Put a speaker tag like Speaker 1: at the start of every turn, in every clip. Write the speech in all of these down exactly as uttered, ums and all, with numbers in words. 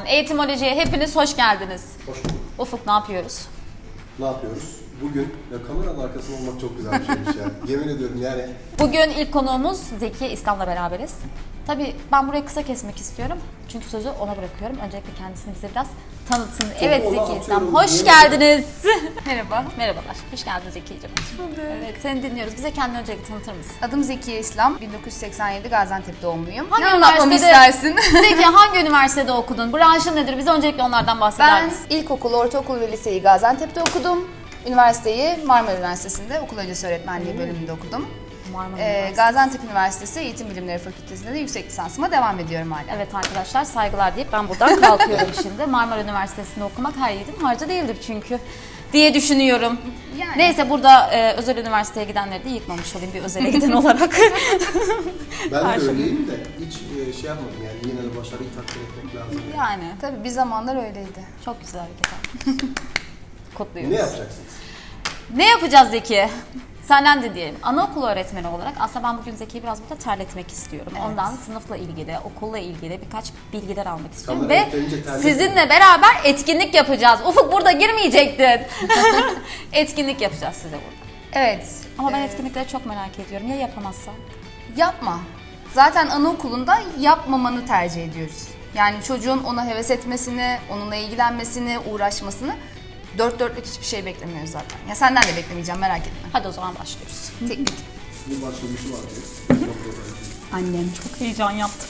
Speaker 1: Eğitimoloji'ye hepiniz hoş geldiniz.
Speaker 2: Hoş bulduk.
Speaker 1: Ufuk, ne yapıyoruz?
Speaker 2: Ne yapıyoruz? Bugün ya kameranın arkasında olmak çok güzel bir şeymiş ya. Yemin ediyorum yani.
Speaker 1: Bugün ilk konuğumuz Zeki İslam'la beraberiz. Tabii ben burayı kısa kesmek istiyorum. Çünkü sözü ona bırakıyorum. Öncelikle kendisini bize biraz tanıtsın. Evet Zeki İslam, hoş geldiniz.
Speaker 3: Merhaba.
Speaker 1: Merhabalar, hoş geldin Zeki'ciğim. Evet, seni dinliyoruz. Bize kendini öncelikle tanıtır mısın?
Speaker 3: Adım Zekiye İslam. bin dokuz yüz seksen yedi Gaziantep doğumluyum.
Speaker 1: Hangi
Speaker 3: ne anlatmamı
Speaker 1: üniversitede-
Speaker 3: istersin?
Speaker 1: Zeki, hangi üniversitede okudun? Branşın nedir? Bize öncelikle onlardan bahseder
Speaker 3: Ben
Speaker 1: misin?
Speaker 3: ilkokul, ortaokul ve liseyi Gaziantep'te okudum. Üniversiteyi Marmara Üniversitesi'nde okul öncesi öğretmenliği bölümünde okudum.
Speaker 1: Marmara
Speaker 3: Ee,
Speaker 1: Üniversitesi.
Speaker 3: Gaziantep Üniversitesi Eğitim Bilimleri Fakültesi'nde de yüksek lisansıma devam ediyorum hala.
Speaker 1: Evet arkadaşlar, saygılar deyip ben buradan kalkıyorum şimdi. Marmara Üniversitesi'nde okumak her yiğidin harcı değildir çünkü diye düşünüyorum.
Speaker 3: Yani.
Speaker 1: Neyse, burada e, özel üniversiteye gidenleri de yıkmamış olayım bir özele giden olarak.
Speaker 2: Ben de
Speaker 1: Karşım.
Speaker 2: öyleyim de hiç e, şey yapmadım yani yine de başarıyı takdir etmek lazım. Yani.
Speaker 1: Yani
Speaker 3: Tabii bir zamanlar öyleydi.
Speaker 1: çok güzel hareket abi. Kutluyoruz.
Speaker 2: Ne yapacaksınız?
Speaker 1: Ne yapacağız Zeki? Senden de diyelim. Anaokulu öğretmeni olarak aslında ben bugün Zeki'yi biraz burada terletmek istiyorum.
Speaker 3: Evet.
Speaker 1: Ondan sınıfla ilgili, okulla ilgili birkaç bilgiler almak istiyorum.
Speaker 2: Kamera
Speaker 1: Ve
Speaker 2: yeterince terletme.
Speaker 1: sizinle beraber etkinlik yapacağız. Ufuk, burada girmeyecektin. Etkinlik yapacağız size burada.
Speaker 3: Evet.
Speaker 1: Ama ben
Speaker 3: e,
Speaker 1: etkinlikleri çok merak ediyorum. Ya yapamazsam?
Speaker 3: Yapma. Zaten anaokulunda yapmamanı tercih ediyoruz. Yani çocuğun ona heves etmesini, onunla ilgilenmesini, uğraşmasını dört dörtlük hiçbir şey beklemiyoruz zaten. Ya senden de beklemeyeceğim, merak etme.
Speaker 1: Hadi o zaman başlıyoruz.
Speaker 3: Teknik.
Speaker 2: Bir başlamışı var diyor.
Speaker 3: Annem.
Speaker 1: Çok heyecan yaptım.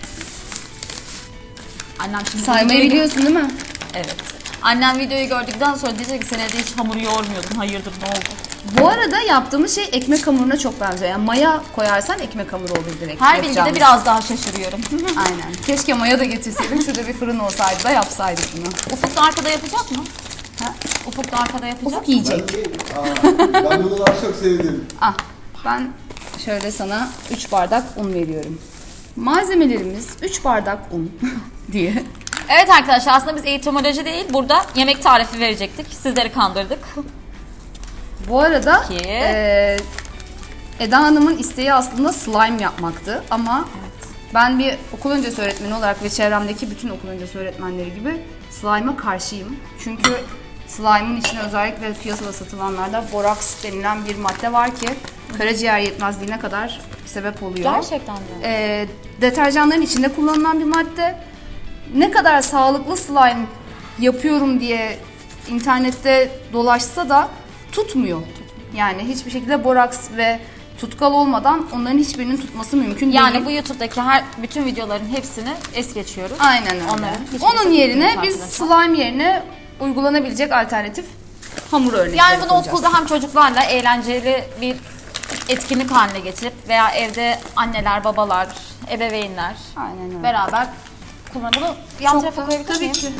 Speaker 1: Annem şimdi
Speaker 3: Saymayı
Speaker 1: videoyu-
Speaker 3: biliyorsun değil mi?
Speaker 1: Evet. Annem videoyu gördükten sonra diyecek ki sen evde hiç hamur yoğurmuyordun. Hayırdır, ne oldu?
Speaker 3: Bu arada yaptığımız şey ekmek hamuruna çok benziyor. Yani maya koyarsan ekmek hamuru olur direkt.
Speaker 1: Her bilgide
Speaker 3: yapacağımız.
Speaker 1: biraz daha şaşırıyorum.
Speaker 3: Aynen. Keşke maya da getirseydim. Şurada bir fırın olsaydı da yapsaydık bunu.
Speaker 1: Ufuk da arkada yapacak mı? Ha? Ufuk da arkada yapacak
Speaker 3: Ufuk
Speaker 1: mı?
Speaker 3: yiyecek.
Speaker 2: Ben, Aa, ben bunu daha çok sevdim.
Speaker 3: Ah, ben şöyle sana üç bardak un veriyorum. Malzemelerimiz üç bardak un diye.
Speaker 1: Evet arkadaşlar, aslında biz eğitimoloji değil, burada yemek tarifi verecektik. Sizleri kandırdık.
Speaker 3: Bu arada
Speaker 1: Peki.
Speaker 3: e, Eda Hanım'ın isteği aslında slime yapmaktı ama ben bir okul öncesi öğretmeni olarak ve çevremdeki bütün okul öncesi öğretmenleri gibi slime'a karşıyım. Çünkü slime'ın içine özellikle piyasada satılanlarda boraks denilen bir madde var ki karaciğer yetmezliğine kadar sebep oluyor.
Speaker 1: Gerçekten de.
Speaker 3: E, deterjanların içinde kullanılan bir madde. Ne kadar sağlıklı slime yapıyorum diye internette dolaşsa da tutmuyor. Yani hiçbir şekilde boraks ve tutkal olmadan onların hiçbirinin tutması mümkün
Speaker 1: Yani
Speaker 3: değil.
Speaker 1: bu YouTube'daki her bütün videoların hepsini es geçiyoruz.
Speaker 3: Aynen öyle.
Speaker 1: Onların hiçbirisi
Speaker 3: Onun yerine
Speaker 1: tutmuyor
Speaker 3: biz
Speaker 1: arkadaşlar.
Speaker 3: slime yerine uygulanabilecek alternatif hamur örnekleri
Speaker 1: Yani bunu
Speaker 3: koyacağız.
Speaker 1: okulda hem çocuklarla eğlenceli bir etkinlik haline getirip veya evde anneler, babalar, ebeveynler
Speaker 3: Aynen öyle.
Speaker 1: beraber kullanıp bunu yan
Speaker 3: Çok
Speaker 1: tarafa
Speaker 3: da-
Speaker 1: koyabilir
Speaker 3: tabii
Speaker 1: miyim?
Speaker 3: ki.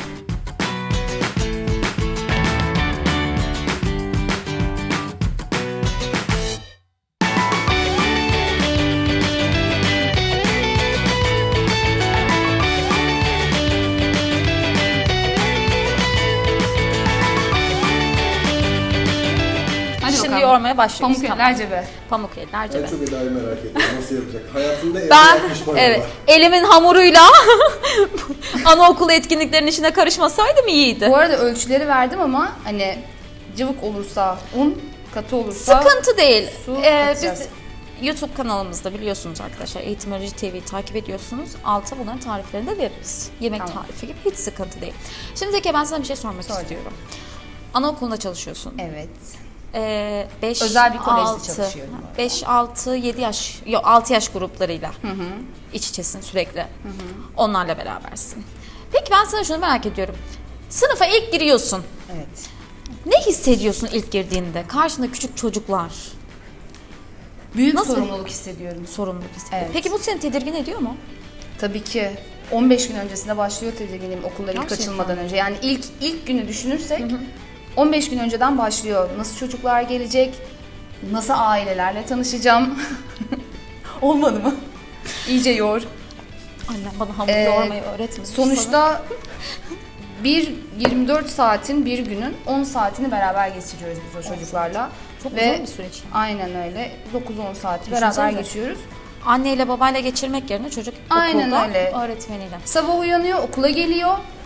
Speaker 3: Hadi
Speaker 1: Şimdi
Speaker 3: bakalım.
Speaker 1: yoğurmaya başlıyoruz.
Speaker 3: Pamuk
Speaker 1: Tamam.
Speaker 3: eller cebe.
Speaker 1: Pamuk eller
Speaker 2: Ben
Speaker 1: cebe.
Speaker 2: çok Eda'yı merak ediyorum. Nasıl yapacak? Hayatında evde
Speaker 1: Ben
Speaker 2: yapmış mı
Speaker 1: evet
Speaker 2: acaba?
Speaker 1: elimin hamuruyla anaokulu etkinliklerinin içine karışmasaydım iyiydi.
Speaker 3: Bu arada ölçüleri verdim ama hani cıvık olursa un, katı olursa
Speaker 1: Sıkıntı değil.
Speaker 3: su
Speaker 1: Ee,
Speaker 3: katacağız.
Speaker 1: biz YouTube kanalımızda biliyorsunuz arkadaşlar, Eğitimoloji T V'yi takip ediyorsunuz. Alta bunların tariflerini de veririz. Yemek
Speaker 3: Tamam.
Speaker 1: tarifi gibi, hiç sıkıntı değil. Şimdi Zeki, ben sana bir şey sormak
Speaker 3: Sor.
Speaker 1: istiyorum. Anaokulunda çalışıyorsun.
Speaker 3: Evet.
Speaker 1: Ee, beş,
Speaker 3: Özel bir kolejde
Speaker 1: altı,
Speaker 3: çalışıyorum bu arada.
Speaker 1: beş, altı, yedi yaş, yok altı yaş gruplarıyla iç içesin sürekli. Onlarla berabersin. Peki ben sana şunu merak ediyorum. Sınıfa ilk giriyorsun.
Speaker 3: Evet.
Speaker 1: Ne hissediyorsun ilk girdiğinde? Karşında küçük çocuklar.
Speaker 3: Büyük
Speaker 1: Nasıl?
Speaker 3: sorumluluk hissediyorum.
Speaker 1: Sorumluluk hissediyor.
Speaker 3: Evet.
Speaker 1: Peki bu seni tedirgin ediyor mu?
Speaker 3: Tabii ki. on beş gün öncesinde başlıyor tedirginliğim okullar ilk
Speaker 1: Gerçekten.
Speaker 3: açılmadan önce. Yani ilk ilk günü düşünürsek on beş gün önceden başlıyor. Nasıl çocuklar gelecek? Nasıl ailelerle tanışacağım? Olmadı mı? İyice yoğur.
Speaker 1: Annem bana hamur
Speaker 3: Ee,
Speaker 1: yoğurmayı öğretmedi.
Speaker 3: Sonuçta bir yirmi dört saatin bir günün on saatini beraber geçiriyoruz biz o çocuklarla.
Speaker 1: Çok
Speaker 3: Ve
Speaker 1: uzun bir süreç yani.
Speaker 3: aynen öyle. dokuz on saati
Speaker 1: Düşünsenize.
Speaker 3: beraber geçiyoruz.
Speaker 1: Anneyle babayla geçirmek yerine çocuk
Speaker 3: Aynen
Speaker 1: okulda
Speaker 3: öyle.
Speaker 1: öğretmeniyle.
Speaker 3: Sabah uyanıyor, okula geliyor.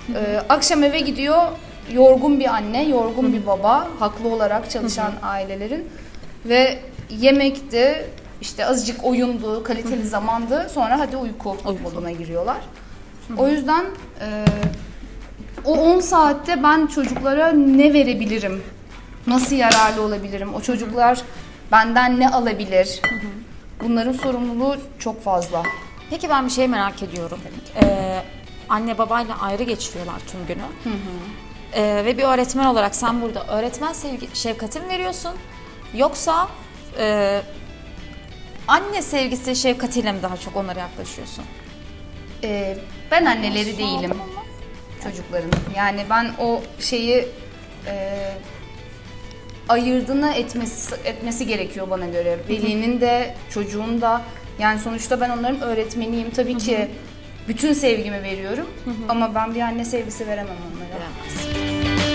Speaker 3: Ee, akşam eve gidiyor, yorgun bir anne, yorgun bir baba, haklı olarak çalışan ailelerin ve yemekti, işte azıcık oyundu, kaliteli zamandı, sonra hadi uyku moduna giriyorlar. O yüzden e, o on saatte ben çocuklara ne verebilirim, nasıl yararlı olabilirim, o çocuklar benden ne alabilir, bunların sorumluluğu çok fazla.
Speaker 1: Peki ben bir şey merak ediyorum. Ee, anne babayla ayrı geçiriyorlar tüm günü. Hı hı. Ee, ve bir öğretmen olarak sen burada öğretmen sevgi, şefkati mi veriyorsun? Yoksa e, anne sevgisi şefkatiyle mi daha çok onlara yaklaşıyorsun?
Speaker 3: Ee, ben anneleri değilim çocukların. Yani ben o şeyi e, ayırdığını etmesi, etmesi gerekiyor bana göre. Velinin de çocuğun da, yani sonuçta ben onların öğretmeniyim. Tabii ki bütün sevgimi veriyorum ama ben bir anne sevgisi veremem onlara.
Speaker 1: Veremez.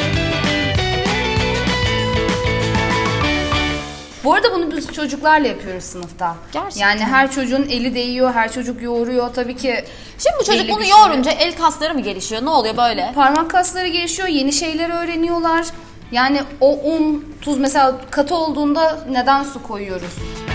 Speaker 3: Bu arada bunu biz çocuklarla yapıyoruz sınıfta.
Speaker 1: Gerçekten.
Speaker 3: Yani her çocuğun eli değiyor, her çocuk yoğuruyor. Tabii ki
Speaker 1: Şimdi bu çocuk
Speaker 3: belli
Speaker 1: bunu
Speaker 3: bir süre-
Speaker 1: yoğurunca el kasları mı gelişiyor? Ne oluyor böyle?
Speaker 3: parmak kasları gelişiyor, yeni şeyler öğreniyorlar. Yani o un, tuz mesela katı olduğunda neden su koyuyoruz?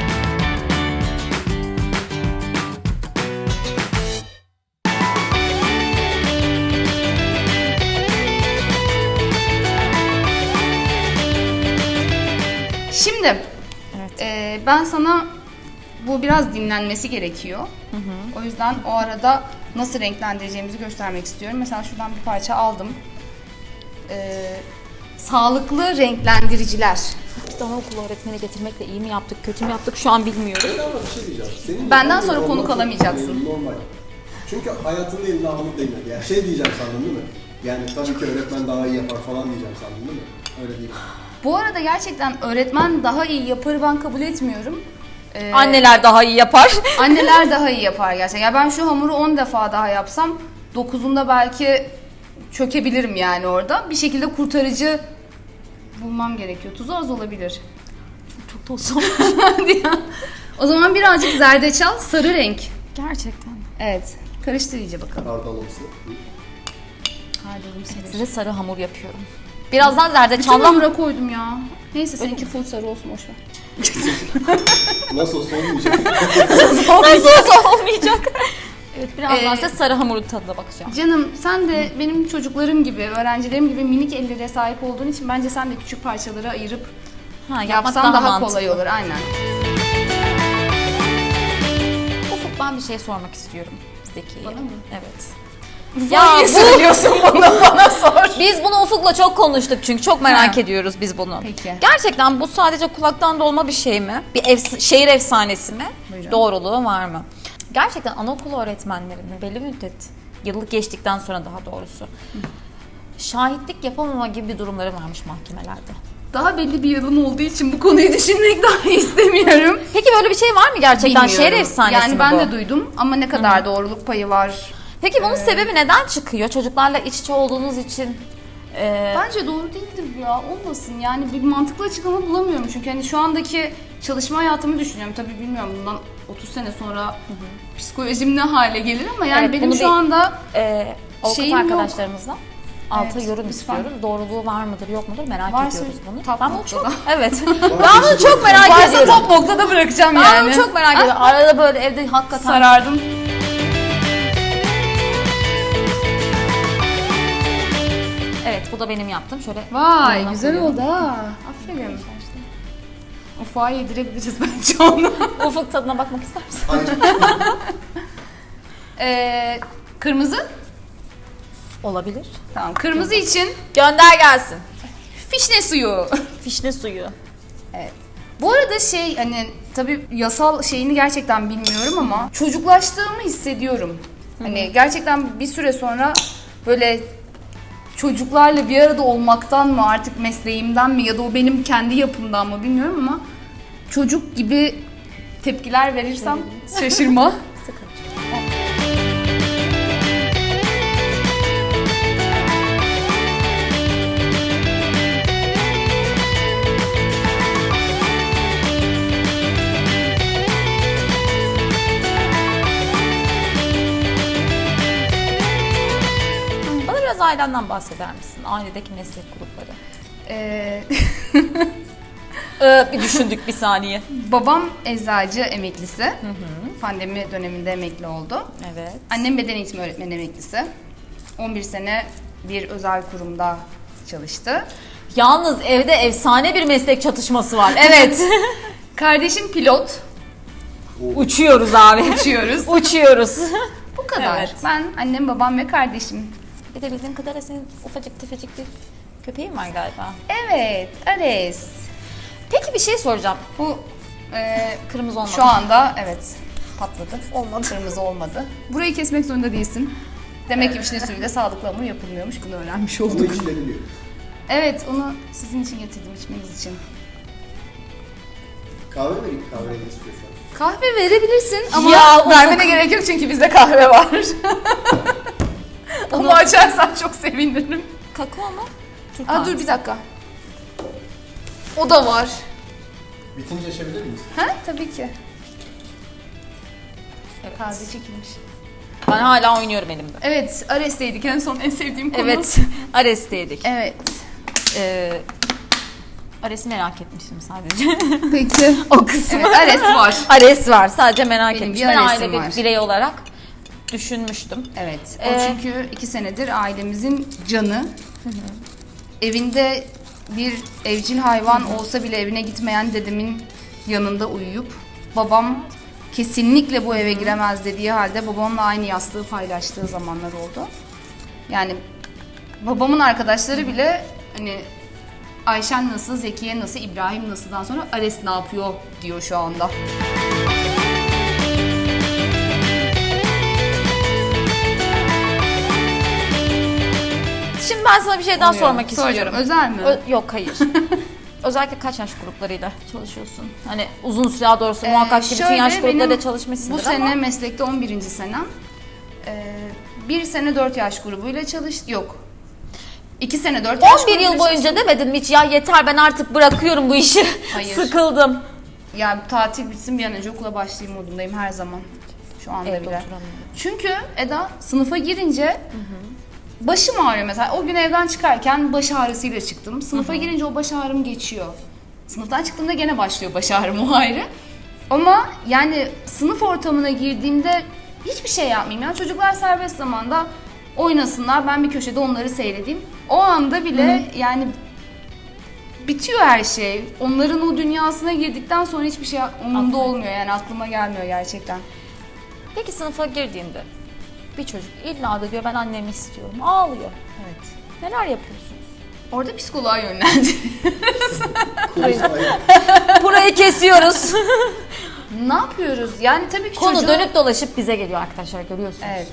Speaker 3: Şimdi
Speaker 1: Evet.
Speaker 3: e, ben sana bu biraz dinlenmesi gerekiyor. O yüzden o arada nasıl renklendireceğimizi göstermek istiyorum. Mesela şuradan bir parça aldım. E, sağlıklı renklendiriciler.
Speaker 1: Biz anaokulu öğretmeni getirmekle iyi mi yaptık, kötü mü yaptık şu an bilmiyorum.
Speaker 2: Ben ama bir şey diyeceğim. Senin
Speaker 3: Benden
Speaker 2: yaptığın
Speaker 3: sonra
Speaker 2: olman
Speaker 3: konuk
Speaker 2: çok
Speaker 3: alamayacaksın.
Speaker 2: Normal. Çünkü hayatında eline alıp değmedi. Yani şey diyeceğim sandın değil mi? Yani tabii ki öğretmen daha iyi yapar falan diyeceğim sandın değil mi? Öyle değil.
Speaker 3: Bu arada gerçekten öğretmen daha iyi yapar ben kabul etmiyorum. Ee,
Speaker 1: Anneler daha iyi yapar.
Speaker 3: Anneler daha iyi yapar gerçekten. Ya ben şu hamuru on defa daha yapsam dokuzunda belki çökebilirim yani orada. Bir şekilde kurtarıcı bulmam gerekiyor. Tuzu az olabilir.
Speaker 1: Çok da olsun.
Speaker 3: Hadi ya. O zaman birazcık zerdeçal, sarı renk.
Speaker 1: Gerçekten.
Speaker 3: Evet. Karıştır iyice bakalım.
Speaker 2: Kardalımsı.
Speaker 3: Hardalım sever.
Speaker 1: Size sarı hamur yapıyorum. Birazdan
Speaker 3: Bütün
Speaker 1: zerdeçallı
Speaker 3: hamura koydum ya. Neyse seninki full sarı olsun boşver.
Speaker 2: Nasıl olsa olmayacak.
Speaker 1: Nasıl olsa olmayacak. Evet, birazdan
Speaker 3: Ee,
Speaker 1: size sarı hamurun tadına bakacağım.
Speaker 3: Canım sen de benim çocuklarım gibi, öğrencilerim gibi minik ellere sahip olduğun için bence sen de küçük parçalara ayırıp
Speaker 1: Ha, yapmak
Speaker 3: yapsan daha,
Speaker 1: mantıklı.
Speaker 3: kolay olur. Aynen.
Speaker 1: Ufuk, ben bir şey sormak istiyorum Zeki'ye.
Speaker 3: Bana mı?
Speaker 1: Evet.
Speaker 3: Ya niye söylüyorsun bunu bana sor.
Speaker 1: Biz bunu Ufuk'la çok konuştuk çünkü çok merak
Speaker 3: Ha.
Speaker 1: ediyoruz biz bunu.
Speaker 3: Peki.
Speaker 1: Gerçekten bu sadece kulaktan dolma bir şey mi? Bir efs- şehir efsanesi mi?
Speaker 3: Buyurun.
Speaker 1: Doğruluğu var mı? Gerçekten anaokulu öğretmenlerinin belli bir müddet, yıllık geçtikten sonra daha doğrusu, şahitlik yapamama gibi bir durumları varmış mahkemelerde.
Speaker 3: Daha belli bir yılım olduğu için bu konuyu düşünmek daha istemiyorum.
Speaker 1: Peki böyle bir şey var mı gerçekten? Şehir
Speaker 3: Bilmiyorum.
Speaker 1: efsanesi
Speaker 3: Yani
Speaker 1: mi
Speaker 3: ben
Speaker 1: bu?
Speaker 3: de duydum ama ne kadar doğruluk payı var.
Speaker 1: Peki bunun sebebi neden çıkıyor? Çocuklarla iç içe olduğunuz için e,
Speaker 3: Bence doğru değildir bu ya. Olmasın. Yani bir mantıklı açıklama bulamıyorum. Çünkü hani şu andaki çalışma hayatımı düşünüyorum. Tabii bilmiyorum bundan otuz sene sonra psikolojim ne hale gelir ama yani
Speaker 1: Evet,
Speaker 3: benim
Speaker 1: bunu
Speaker 3: şu
Speaker 1: bir-
Speaker 3: anda
Speaker 1: e, avukat
Speaker 3: Şeyim yok.
Speaker 1: arkadaşlarımızla altı
Speaker 3: Evet,
Speaker 1: yorum
Speaker 3: lütfen.
Speaker 1: istiyoruz. Doğruluğu var mıdır yok mudur merak
Speaker 3: Varsa
Speaker 1: ediyoruz bunu.
Speaker 3: top
Speaker 1: Ben bunu
Speaker 3: noktada.
Speaker 1: çok evet. ben bunu çok merak
Speaker 3: varsa
Speaker 1: ediyorum.
Speaker 3: top noktada bırakacağım
Speaker 1: Ben
Speaker 3: yani.
Speaker 1: bunu çok merak ediyorum. Arada böyle evde hakikaten
Speaker 3: sarardım.
Speaker 1: evet, bu da benim yaptım. Şöyle
Speaker 3: Vay
Speaker 1: yanına
Speaker 3: güzel
Speaker 1: koyuyorum.
Speaker 3: oldu ha. Aferin. Ufağa yedirebiliriz bence onu.
Speaker 1: Ufuk, tadına bakmak ister misin?
Speaker 2: Hayır.
Speaker 3: Ee, kırmızı.
Speaker 1: Olabilir.
Speaker 3: Tamam. Kırmızı için
Speaker 1: Gönder gelsin.
Speaker 3: fişne suyu.
Speaker 1: Fişne suyu.
Speaker 3: Evet. Bu arada şey hani tabii yasal şeyini gerçekten bilmiyorum ama çocuklaştığımı hissediyorum. Hani gerçekten bir süre sonra böyle çocuklarla bir arada olmaktan mı artık mesleğimden mi ya da o benim kendi yapımdan mı bilmiyorum ama çocuk gibi tepkiler verirsem şaşırma.
Speaker 1: Sıkıntı. Bana biraz ailenden bahseder misin? Ailedeki meslek grupları.
Speaker 3: Ee,
Speaker 1: Ee, bir düşündük bir saniye.
Speaker 3: babam eczacı emeklisi. Pandemi döneminde emekli oldu.
Speaker 1: Evet.
Speaker 3: Annem beden eğitimi öğretmeni emeklisi. on bir sene bir özel kurumda çalıştı.
Speaker 1: Yalnız evde efsane bir meslek çatışması var.
Speaker 3: Evet. Kardeşim pilot.
Speaker 1: Uçuyoruz abi.
Speaker 3: Uçuyoruz.
Speaker 1: Uçuyoruz.
Speaker 3: Bu kadar.
Speaker 1: Evet.
Speaker 3: Ben, annem, babam ve kardeşim.
Speaker 1: Bir de bildiğin kadarıyla senin ufacık tefecik bir köpeğin var galiba.
Speaker 3: Evet, Ares.
Speaker 1: Peki bir şey soracağım.
Speaker 3: Bu e,
Speaker 1: Kırmızı olmadı.
Speaker 3: şu anda evet patladı.
Speaker 1: Olmadı.
Speaker 3: Kırmızı olmadı. Burayı kesmek zorunda değilsin. Demek ki vişne suyuyla sağlıklı hamur yapılmıyormuş. Bunu öğrenmiş
Speaker 2: Onu
Speaker 3: olduk.
Speaker 2: içilebiliyor.
Speaker 3: Evet, onu sizin için getirdim, içmeniz için.
Speaker 2: Kahve vereyim, kahve ne istiyorsan.
Speaker 3: Kahve verebilirsin ama
Speaker 1: Ya,
Speaker 3: vermene
Speaker 1: Ufuk.
Speaker 3: gerek yok çünkü bizde kahve var. Onu açarsan çok sevinirim.
Speaker 1: Kakao mu? Türk
Speaker 3: Aa, dur
Speaker 1: kahvesi.
Speaker 3: bir dakika. O da var.
Speaker 2: Bitince açabilir miyiz?
Speaker 3: Ha? Tabii ki.
Speaker 1: Evet.
Speaker 3: Taze çekilmiş.
Speaker 1: Ben hala oynuyorum elimde.
Speaker 3: Evet, Ares'teydik en son en sevdiğim konu.
Speaker 1: Evet. Ares'teydik.
Speaker 3: Evet.
Speaker 1: Ee, Ares'i merak etmiştim sadece.
Speaker 3: Peki.
Speaker 1: O kısmı.
Speaker 3: Evet, Ares var.
Speaker 1: Ares var. Sadece merak
Speaker 3: Benim bir
Speaker 1: etmiştim. Ben
Speaker 3: Ares'im
Speaker 1: aile bir
Speaker 3: var.
Speaker 1: birey olarak düşünmüştüm.
Speaker 3: Evet. O
Speaker 1: Ee,
Speaker 3: çünkü iki senedir ailemizin canı. Evinde bir evcil hayvan olsa bile evine gitmeyen dedemin yanında uyuyup babam kesinlikle bu eve giremez dediği halde babamla aynı yastığı paylaştığı zamanlar oldu. Yani babamın arkadaşları bile hani Ayşen nasıl, Zekiye nasıl, İbrahim nasıldan sonra Ares ne yapıyor diyor şu anda.
Speaker 1: Şimdi ben sana bir şey daha
Speaker 3: Oluyor.
Speaker 1: sormak
Speaker 3: Soracağım.
Speaker 1: istiyorum.
Speaker 3: Özel mi?
Speaker 1: Ö- yok hayır. Özellikle kaç yaş gruplarıyla çalışıyorsun? Hani uzun süre daha doğrusu muhakkak ki bütün
Speaker 3: Şöyle,
Speaker 1: yaş gruplarıyla
Speaker 3: benim
Speaker 1: çalışmışsındır
Speaker 3: Bu
Speaker 1: ama.
Speaker 3: sene meslekte on birinci senem. Ee, bir sene dört yaş grubuyla çalıştım. Yok. iki sene dört yaş
Speaker 1: on bir yıl
Speaker 3: grubuyla
Speaker 1: boyunca demedin mi hiç ya yeter ben artık bırakıyorum bu işi.
Speaker 3: Hayır.
Speaker 1: Sıkıldım.
Speaker 3: çalıştım. Yani tatil bitsin bir an önce okula başlayayım modundayım her zaman. Şu anda
Speaker 1: Evde
Speaker 3: bile.
Speaker 1: oturamıyorum.
Speaker 3: Çünkü Eda sınıfa girince başım ağrıyor mesela. O gün evden çıkarken baş ağrısıyla çıktım. Sınıfa girince o baş ağrım geçiyor. Sınıftan çıktığımda gene başlıyor baş ağrım, o ayrı. Ama yani sınıf ortamına girdiğimde hiçbir şey yapmayayım. Yani çocuklar serbest zamanda oynasınlar, ben bir köşede onları seyredeyim. O anda bile yani bitiyor her şey. Onların o dünyasına girdikten sonra hiçbir şey umurumda olmuyor, yani aklıma gelmiyor gerçekten.
Speaker 1: Peki sınıfa girdiğinde bir çocuk illa da diyor ben annemi istiyorum. Ağlıyor.
Speaker 3: Evet.
Speaker 1: Neler yapıyorsunuz?
Speaker 3: Orada psikoloğa yönlendi.
Speaker 1: Burayı kesiyoruz.
Speaker 3: Ne yapıyoruz? Yani tabii ki
Speaker 1: Konu
Speaker 3: çocuğu...
Speaker 1: dönüp dolaşıp bize geliyor arkadaşlar, görüyorsunuz.
Speaker 3: Evet.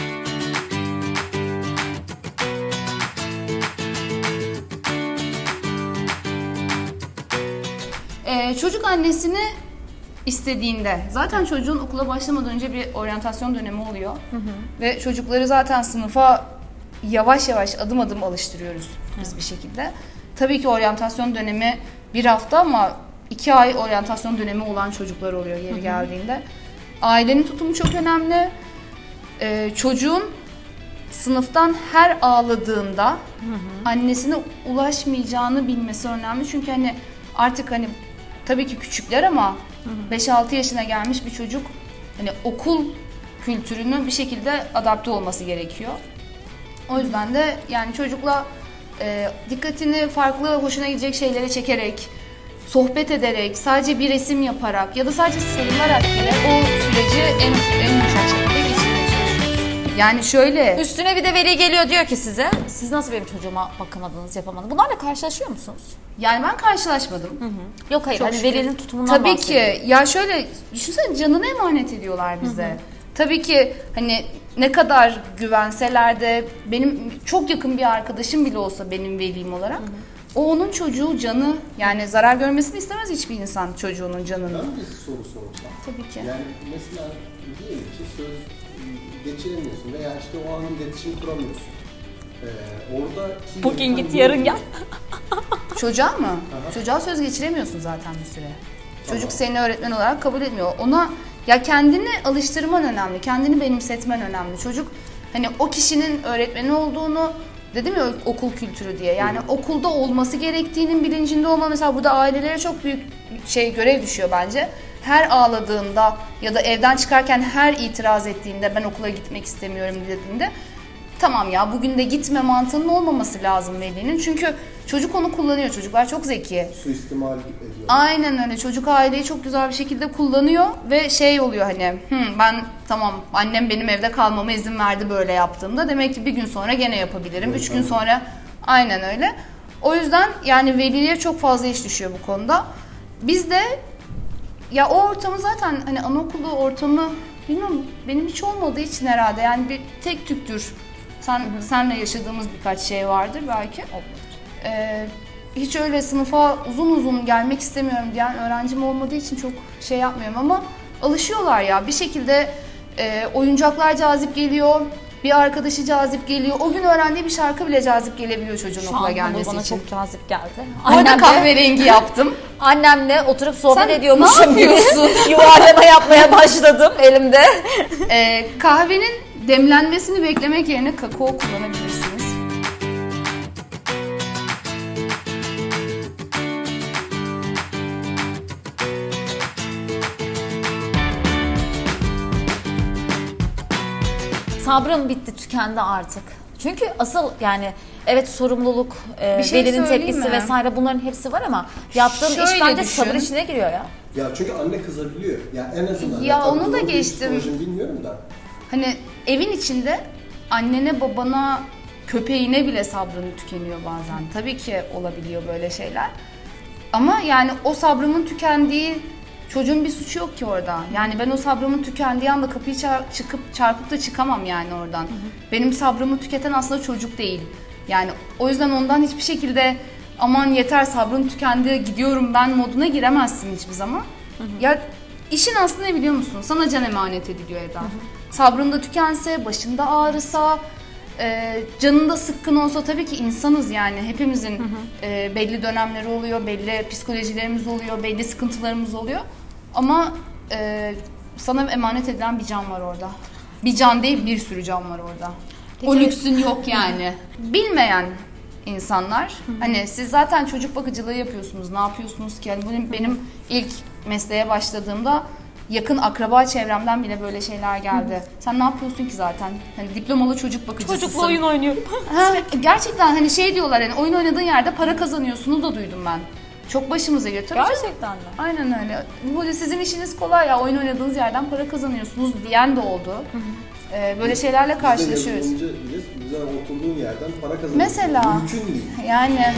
Speaker 3: Ee, çocuk annesini istediğinde, zaten çocuğun okula başlamadan önce bir oryantasyon dönemi oluyor. Ve çocukları zaten sınıfa yavaş yavaş adım adım alıştırıyoruz biz bir şekilde. Tabii ki oryantasyon dönemi bir hafta ama iki ay oryantasyon dönemi olan çocuklar oluyor yeri geldiğinde. Ailenin tutumu çok önemli. Ee, çocuğun sınıftan her ağladığında annesine ulaşmayacağını bilmesi önemli. Çünkü hani artık hani tabii ki küçükler ama beş altı yaşına gelmiş bir çocuk hani okul kültürünü bir şekilde adapte olması gerekiyor. O yüzden de yani çocukla e, dikkatini farklı, hoşuna gidecek şeylere çekerek, sohbet ederek, sadece bir resim yaparak ya da sadece sarılarak bile o süreci en, en yumuşak şekilde geçirmeye çalışıyoruz. Yani şöyle...
Speaker 1: Üstüne bir de veli geliyor diyor ki size, siz nasıl benim çocuğuma bakamadınız, yapamadınız? Bunlarla karşılaşıyor musunuz?
Speaker 3: Yani ben karşılaşmadım.
Speaker 1: Yok hayır,
Speaker 3: Çok
Speaker 1: hani
Speaker 3: şükür.
Speaker 1: velinin tutumundan
Speaker 3: Tabii
Speaker 1: bahsediyorum.
Speaker 3: ki. Ya şöyle düşünsene, canını emanet ediyorlar bize. Tabii ki hani ne kadar güvenseler de benim çok yakın bir arkadaşım bile olsa benim velim olarak o onun çocuğu, canı, yani zarar görmesini istemez hiçbir insan çocuğunun canını.
Speaker 2: Ben bir soru sorsam.
Speaker 3: Tabii ki.
Speaker 2: Yani mesela diyelim ki söz geçiremiyorsun veya işte o anın iletişim kuramıyorsun. Ee, oradaki
Speaker 1: Bugün
Speaker 2: yöntem
Speaker 1: git
Speaker 2: ne
Speaker 1: yarın
Speaker 2: oluyor?
Speaker 1: gel.
Speaker 3: Çocuğa mı?
Speaker 2: Aha.
Speaker 3: Çocuğa söz geçiremiyorsun zaten bir süre.
Speaker 2: Tamam.
Speaker 3: Çocuk seni öğretmen olarak kabul etmiyor. Ona ya kendini alıştırman önemli, kendini benimsetmen önemli. Çocuk hani o kişinin öğretmeni olduğunu, Dedim ya okul kültürü diye. Yani okulda olması gerektiğinin bilincinde olma. Mesela burada ailelere çok büyük şey görev düşüyor bence. Her ağladığında ya da evden çıkarken her itiraz ettiğinde ben okula gitmek istemiyorum dediğinde tamam ya bugün de gitme mantığının olmaması lazım velinin. Çünkü çocuk onu kullanıyor. Çocuklar çok zeki.
Speaker 2: Suistimal ediyor.
Speaker 3: Aynen öyle. Çocuk aileyi çok güzel bir şekilde kullanıyor ve şey oluyor hani Hı, ben tamam annem benim evde kalmama izin verdi böyle yaptığımda demek ki bir gün sonra gene yapabilirim.
Speaker 2: Evet,
Speaker 3: Üç gün
Speaker 2: tamam.
Speaker 3: sonra aynen öyle. O yüzden yani veliye çok fazla iş düşüyor bu konuda. Biz de ya o ortamı zaten hani anaokulu ortamı bilmiyorum benim hiç olmadığı için herhalde yani bir tek tüktür. Sen senle yaşadığımız birkaç şey vardır belki. Ee, hiç öyle sınıfa uzun uzun gelmek istemiyorum diyen öğrencim olmadığı için çok şey yapmıyorum ama alışıyorlar ya bir şekilde e, oyuncaklar cazip geliyor. Bir arkadaşı cazip geliyor. O gün öğrendiği bir şarkı bile cazip gelebiliyor çocuğun
Speaker 1: Şu
Speaker 3: okula
Speaker 1: an
Speaker 3: gelmesi
Speaker 1: bana
Speaker 3: için.
Speaker 1: çok cazip geldi.
Speaker 3: Orada
Speaker 1: Annemle-
Speaker 3: kahverengi yaptım.
Speaker 1: Annemle oturup sohbet
Speaker 3: Sen
Speaker 1: ediyormuşum
Speaker 3: ne
Speaker 1: gibi
Speaker 3: yapıyorsun?
Speaker 1: yuvarlama yapmaya başladım elimde.
Speaker 3: Ee, kahvenin demlenmesini beklemek yerine kakao kullanabilirsiniz.
Speaker 1: Sabrım bitti, tükendi artık. Çünkü asıl yani evet sorumluluk, e,
Speaker 3: Bir şey
Speaker 1: velinin
Speaker 3: söyleyeyim
Speaker 1: tepkisi
Speaker 3: mi?
Speaker 1: vesaire bunların hepsi var ama yaptığın iş
Speaker 3: Şöyle
Speaker 1: bence
Speaker 3: düşün.
Speaker 1: sabır işine giriyor ya.
Speaker 2: Ya çünkü anne kızabiliyor. Ya en azından.
Speaker 3: Ya
Speaker 2: tabii
Speaker 3: onu da
Speaker 2: doğru bir
Speaker 3: geçtim.
Speaker 2: psikolojim bilmiyorum da.
Speaker 3: Hani evin içinde annene, babana, köpeğine bile sabrın tükeniyor bazen. Tabii ki olabiliyor böyle şeyler. Ama yani o sabrımın tükendiği çocuğun bir suçu yok ki orada. Yani ben o sabrımın tükendiği anda kapıyı çar- çıkıp çarpıp da çıkamam yani oradan. Benim sabrımı tüketen aslında çocuk değil. Yani o yüzden ondan hiçbir şekilde aman yeter sabrım tükendi gidiyorum ben moduna giremezsin hiçbir zaman. Ya işin aslında ne biliyor musun? Sana can emanet ediliyor Eda. Sabrın da tükense, başında ağrısa, e, canında sıkkın olsa tabii ki insanız yani. Hepimizin e, belli dönemleri oluyor, belli psikolojilerimiz oluyor, belli sıkıntılarımız oluyor. Ama e, sana emanet edilen bir can var orada. Bir can değil, bir sürü can var orada. O
Speaker 1: Peki-
Speaker 3: lüksün yok yani. Bilmeyen insanlar, hani siz zaten çocuk bakıcılığı yapıyorsunuz, ne yapıyorsunuz ki? Yani benim, benim ilk mesleğe başladığımda yakın akraba çevremden bile böyle şeyler geldi. Sen ne yapıyorsun ki zaten? Hani diplomalı çocuk bakıcısısın.
Speaker 1: Çocukla oyun oynuyorum.
Speaker 3: Ha, gerçekten hani şey diyorlar hani oyun oynadığın yerde para kazanıyorsunuz da duydum ben. Çok başımıza geliyor. Tabii canım.
Speaker 1: Gerçekten mi?
Speaker 3: Aynen öyle. Bu sizin işiniz kolay ya oyun oynadığınız yerden para kazanıyorsunuz diyen de oldu. Ee, böyle şeylerle karşılaşıyoruz.
Speaker 2: Biz de yazılımcıyız. Bize oturduğun yerden para kazanıyorsun.
Speaker 3: Mesela.
Speaker 2: Mümkün değil.
Speaker 3: Yani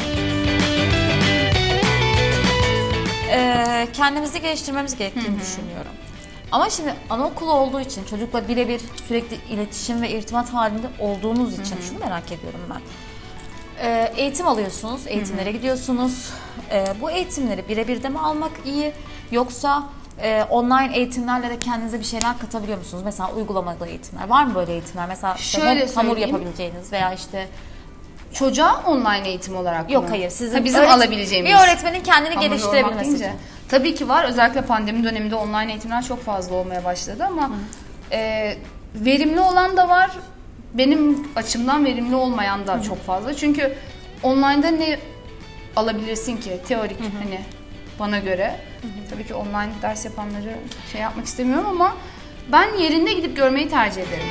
Speaker 1: Ee, kendimizi geliştirmemiz gerektiğini düşünüyorum. Ama şimdi anaokulu olduğu için çocukla birebir sürekli iletişim ve irtibat halinde olduğunuz için şunu merak ediyorum ben. Ee, eğitim alıyorsunuz, eğitimlere gidiyorsunuz. Ee, bu eğitimleri birebir de mi almak iyi yoksa e, online eğitimlerle de kendinize bir şeyler katabiliyor musunuz? Mesela uygulamalı eğitimler. Var mı böyle eğitimler? Mesela işte
Speaker 3: Şöyle
Speaker 1: ham- hamur
Speaker 3: söyleyeyim.
Speaker 1: yapabileceğiniz veya işte
Speaker 3: çocuğa online eğitim olarak
Speaker 1: yok
Speaker 3: mı?
Speaker 1: hayır sizin
Speaker 3: Ha, bizim
Speaker 1: öğret-
Speaker 3: alabileceğimiz.
Speaker 1: bir öğretmenin kendini
Speaker 3: Hamur
Speaker 1: geliştirebilmesi
Speaker 3: yoğurmak
Speaker 1: için.
Speaker 3: deyince. Tabii ki var. Özellikle pandemi döneminde online eğitimler çok fazla olmaya başladı ama e, verimli olan da var. Benim açımdan verimli olmayan da çok fazla. Çünkü online'da ne alabilirsin ki? Teorik hani bana göre. Tabii ki online ders yapanları şey yapmak istemiyorum ama ben yerinde gidip görmeyi tercih ederim.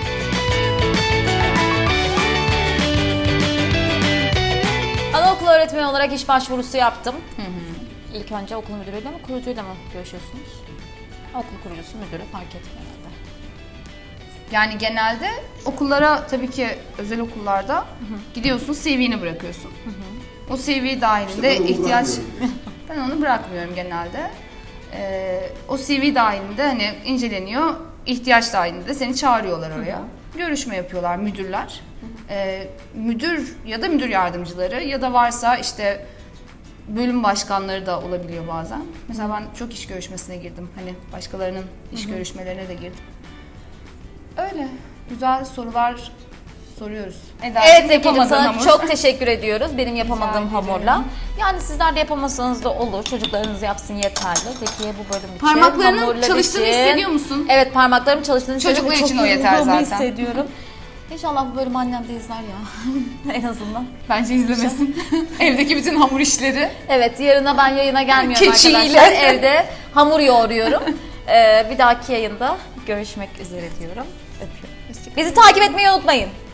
Speaker 1: Anaokulu öğretmeni olarak iş başvurusu yaptım. İlk önce okul müdürüyle mi, kurucuyla mı görüşüyorsunuz? Okul kurucusu, müdürü fark etmiyor herhalde.
Speaker 3: Yani genelde okullara tabii ki özel okullarda gidiyorsun C V'ni bırakıyorsun. O C V dahilinde
Speaker 2: İşte ben onu
Speaker 3: ihtiyaç
Speaker 2: bırakmıyorum.
Speaker 3: ben onu bırakmıyorum genelde. Ee, o C V dahilinde hani inceleniyor. İhtiyaç dahilinde de seni çağırıyorlar oraya. Görüşme yapıyorlar müdürler. Ee, müdür ya da müdür yardımcıları ya da varsa işte bölüm başkanları da olabiliyor bazen. Mesela ben çok iş görüşmesine girdim. Hani başkalarının iş görüşmelerine de girdim. Öyle. Güzel sorular soruyoruz. Eda'cığım,
Speaker 1: Evet Zeki'cim
Speaker 3: yapamadığın
Speaker 1: sana
Speaker 3: hamur.
Speaker 1: çok teşekkür ediyoruz benim yapamadığım
Speaker 3: ederim.
Speaker 1: hamurla. Yani sizler de yapamasanız da olur. Çocuklarınız yapsın yeterli. Zeki'ye bu bölüm için.
Speaker 3: Parmaklarının
Speaker 1: hamurlar
Speaker 3: çalıştığını
Speaker 1: için-
Speaker 3: hissediyor musun?
Speaker 1: Evet parmaklarım çalıştığını
Speaker 3: Çocuklar
Speaker 1: hissediyorum.
Speaker 3: için
Speaker 1: Çok
Speaker 3: o yeter
Speaker 1: yorulduğumu
Speaker 3: zaten.
Speaker 1: hissediyorum. İnşallah bu bölümü annem de izler ya. En azından.
Speaker 3: Bence izlemesin. Evdeki bütün hamur işleri.
Speaker 1: Evet, yarına ben yayına gelmiyorum
Speaker 3: Keçiyle.
Speaker 1: arkadaşlar. Evde hamur yoğuruyorum. Ee, bir dahaki yayında görüşmek üzere diyorum. Öpüyorum. Bizi takip etmeyi unutmayın.